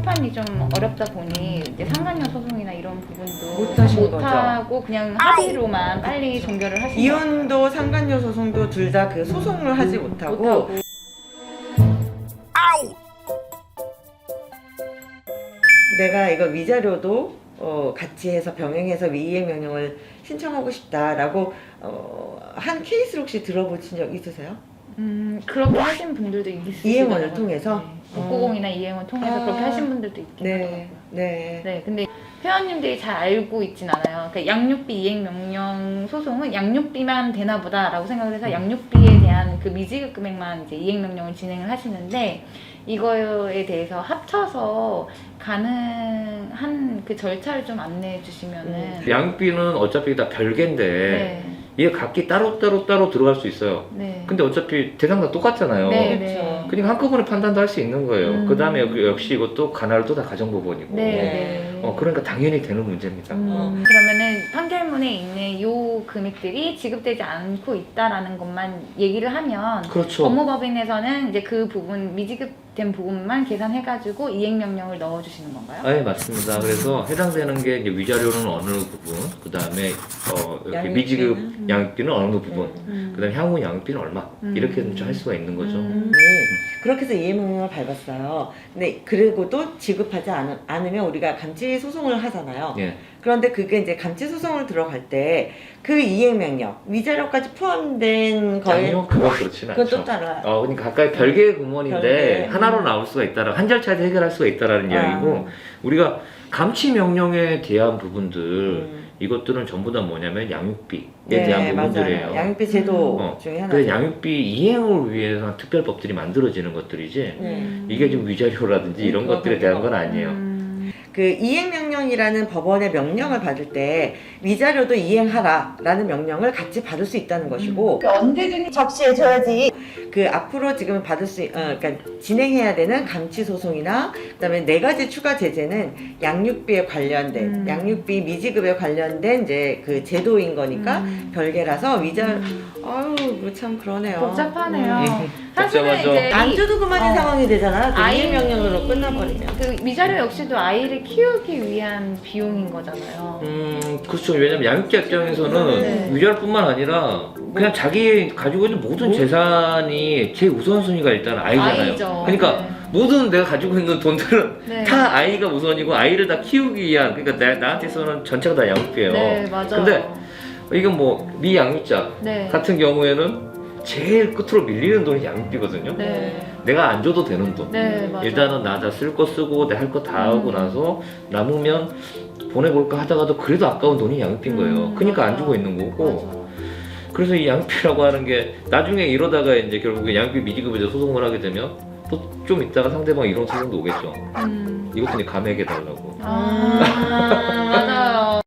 심판이 좀 어렵다 보니 이제 상간녀 소송이나 이런 부분도 못하신 못하고 그냥 합의로만 빨리 종결을 하신 이혼도 상간녀 소송도 둘 다 그 소송을 하지 못하고 내가 이거 위자료도 같이 해서 병행해서 이행 명령을 신청하고 싶다라고 한 케이스를 혹시 들어보신 적 있으세요? 그렇게 하신 분들도 있으시더라고요. 이행원을 통해서? 네. 690이나 이행원 통해서 그렇게 하신 분들도 있긴 하더라고요. 네. 네, 근데 회원님들이 잘 알고 있진 않아요. 그러니까 양육비 이행명령 소송은 양육비만 되나 보다라고 생각을 해서 양육비에 대한 그 미지급 금액만 이제 이행명령을 진행을 하시는데 이거에 대해서 합쳐서 가능한 그 절차를 좀 안내해 주시면은 양육비는 어차피 다 별개인데 네. 얘 각기 따로 들어갈 수 있어요. 네. 근데 어차피 대상 다 똑같잖아요. 네, 그렇죠. 그러니까 한꺼번에 판단도 할 수 있는 거예요. 그 다음에 음. 역시 이것도 가나르도 다 가정법원이고. 네, 네. 그러니까 당연히 되는 문제입니다. 그러면은 판결문에 있는 요 금액들이 지급되지 않고 있다라는 것만 얘기를 하면 그렇죠. 법무법인에서는 이제 그 부분 미지급된 부분만 계산해가지고 이행명령을 넣어주시는 건가요? 네, 맞습니다. 그래서 해당되는 게 이제 위자료는 어느 부분, 그 다음에 이렇게 양육비는? 미지급 양육비는 어느 부분, 음. 그 다음에 향후 양육비는 얼마 이렇게 할 수가 있는 거죠. 그렇게 해서 이행명령을 밟았어요. 근데 그리고도 지급하지 않으면 우리가 감치 소송을 하잖아요. 예. 그런데 그게 이제 감치 소송을 들어갈 때 그 이행명령 위자료까지 포함된 거에 아니요, 그건 그렇지는 그건 또 않죠. 따라. 그러니까 각각 별개의 공원인데 별개. 하나로 나올 수가 있다라 한 절차에서 해결할 수가 있다라는 이야기고 우리가 감치 명령에 대한 부분들 이것들은 전부 다 뭐냐면 양육비에 대한 부분들이에요. 맞아요. 양육비 제도 중에 하나. 그래서 양육비 이행을 위해서 특별법들이 만들어지는 것들이지 이게 지금 위자료라든지 이런 것들에 대한 건 아니에요. 그 이행명령이라는 법원의 명령을 받을 때 위자료도 이행하라라는 명령을 같이 받을 수 있다는 것이고 언제든지 적시해줘야지. 그 앞으로 지금 받을 수, 그러니까 진행해야 되는 감치 소송이나 그다음에 4가지 추가 제재는 양육비에 관련된 양육비 미지급에 관련된 이제 그 제도인 거니까 별개라서 아유 이거 참 그러네요. 복잡하네요. 복잡하죠. 사실은 이제 안 줘도 그만인 상황이 되잖아. 그 아이- 이행명령으로 끝나버리면. 그 위자료 역시도 아이를 키우기 위한 비용인 거잖아요. 그렇죠. 왜냐면 양육자 입장에서는 네. 위자료뿐만 아니라 그냥 자기 가지고 있는 모든 재산이 제 우선순위가 일단 아이잖아요. 아이죠. 그러니까 네. 모든 내가 가지고 있는 돈들은 네. 다 아이가 우선이고 아이를 다 키우기 위한 그러니까 나한테서는 전체가 다 양육비예요. 네, 맞아요. 근데 이건 뭐 미양육자 네. 같은 경우에는 제일 끝으로 밀리는 돈이 양육비거든요. 네. 내가 안 줘도 되는 돈. 네, 맞아요. 일단은 나 다 쓸 거 쓰고 내 할 거 다 하고 나서 남으면 보내볼까 하다가도 그래도 아까운 돈이 양육비인 거예요. 그러니까 안 맞아. 주고 있는 거고. 맞아. 그래서 이 양육비라고 하는 게 나중에 이러다가 이제 결국에 양육비 미지급에 대해 소송을 하게 되면 또 좀 있다가 상대방 이런 소송도 오겠죠. 이것도 이제 감액해 달라고. 맞아요.